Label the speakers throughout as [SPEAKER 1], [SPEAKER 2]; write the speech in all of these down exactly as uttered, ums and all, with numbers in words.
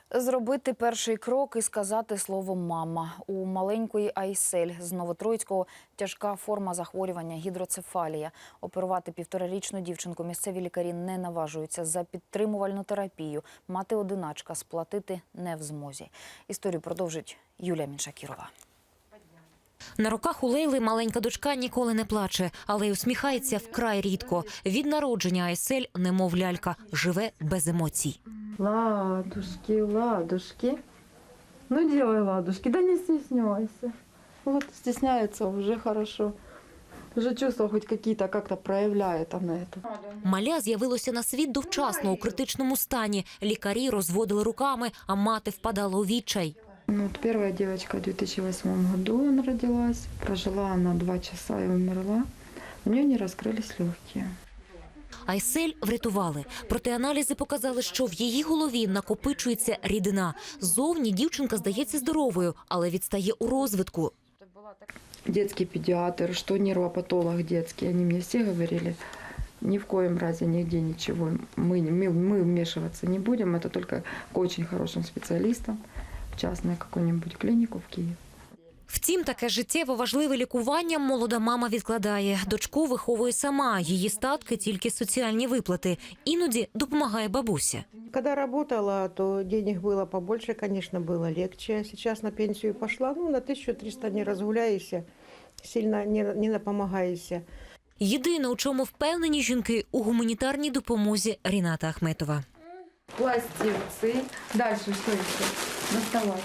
[SPEAKER 1] Зробити перший крок і сказати слово «мама». У маленької Айсель з Новотроїцького тяжка форма захворювання – гідроцефалія. Оперувати півторарічну дівчинку місцеві лікарі не наважуються. За підтримувальну терапію мати-одиначка сплатити не в змозі. Історію продовжить Юлія Міншакірова.
[SPEAKER 2] На руках у Лейли маленька дочка ніколи не плаче, але й усміхається вкрай рідко. Від народження Айсель, немов лялька, живе без емоцій.
[SPEAKER 3] Ладушки, ладушки. Ну, делай ладушки, да не стесняйся. Вот стесняется уже хорошо. Уже чувства хоть какие-то как-то проявляет она это.
[SPEAKER 2] Маля з'явилося на світ довчасно у критичному стані. Лікарі розводили руками, а мати впадала у відчай.
[SPEAKER 3] Ну, вот первая девочка в две тысячи восьмом году она родилась. Прожила она два часа и умерла. У нее не раскрылись легкие.
[SPEAKER 2] Айсель врятували. Проте аналізи показали, що в її голові накопичується рідина. Зовні дівчинка здається здоровою, але відстає у розвитку.
[SPEAKER 3] Детский педиатр, что нервопатолог детский, они мне все говорили, ни в коем разе нигде ничего. Мы, мы, мы вмешиваться не будем, это только к очень хорошим специалистам, в частную какую-нибудь клинику в Киев.
[SPEAKER 2] Втім, таке життєво важливе лікування молода мама відкладає. Дочку виховує сама, її статки – тільки соціальні виплати. Іноді допомагає бабуся.
[SPEAKER 4] Когда работала, то денег было побольше, конечно, было легче. Сейчас на пенсию пошла, ну, на тысячу триста не разгуляешься, сильно не, не напомагаешься.
[SPEAKER 2] Єдине, у чому впевнені жінки – у гуманітарній допомозі Ріната Ахметова.
[SPEAKER 3] Пластинцы. Дальше что еще? Доставай.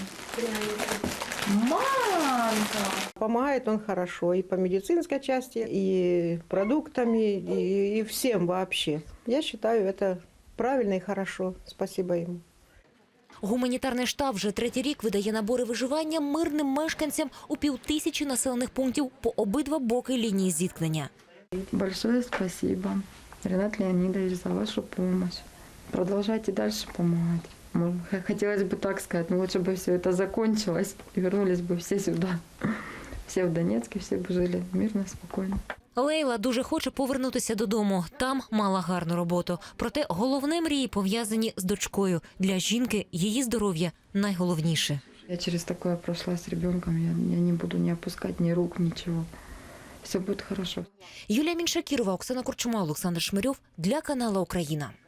[SPEAKER 3] Мамка!
[SPEAKER 4] Помогает он хорошо и по медицинской части, и продуктами, и, и всем вообще. Я считаю, это правильно и хорошо. Спасибо ему.
[SPEAKER 2] Гуманітарний штаб вже третій рік видає набори виживання мирним мешканцям у півтисячі населених пунктів по обидва боки лінії зіткнення.
[SPEAKER 3] Большое спасибо, Ренат Леонидович, за вашу помощь. Продолжайте дальше помогать. Хотелось бы так сказать, но лучше бы все это закончилось и вернулись бы все сюда. Все в Донецке, все бы жили мирно, спокойно.
[SPEAKER 2] Лейла дуже хоче повернутися додому. Там мала гарну роботу. Проте головне мрії пов'язані з дочкою. Для жінки її здоров'я найголовніше.
[SPEAKER 3] Я через такое прошла с ребенком, я, я не буду не опускать ни рук, ничего. Все будет хорошо.
[SPEAKER 2] Юлія Міншакірова, Оксана Корчума, Олександр Шмирьов для каналу «Україна».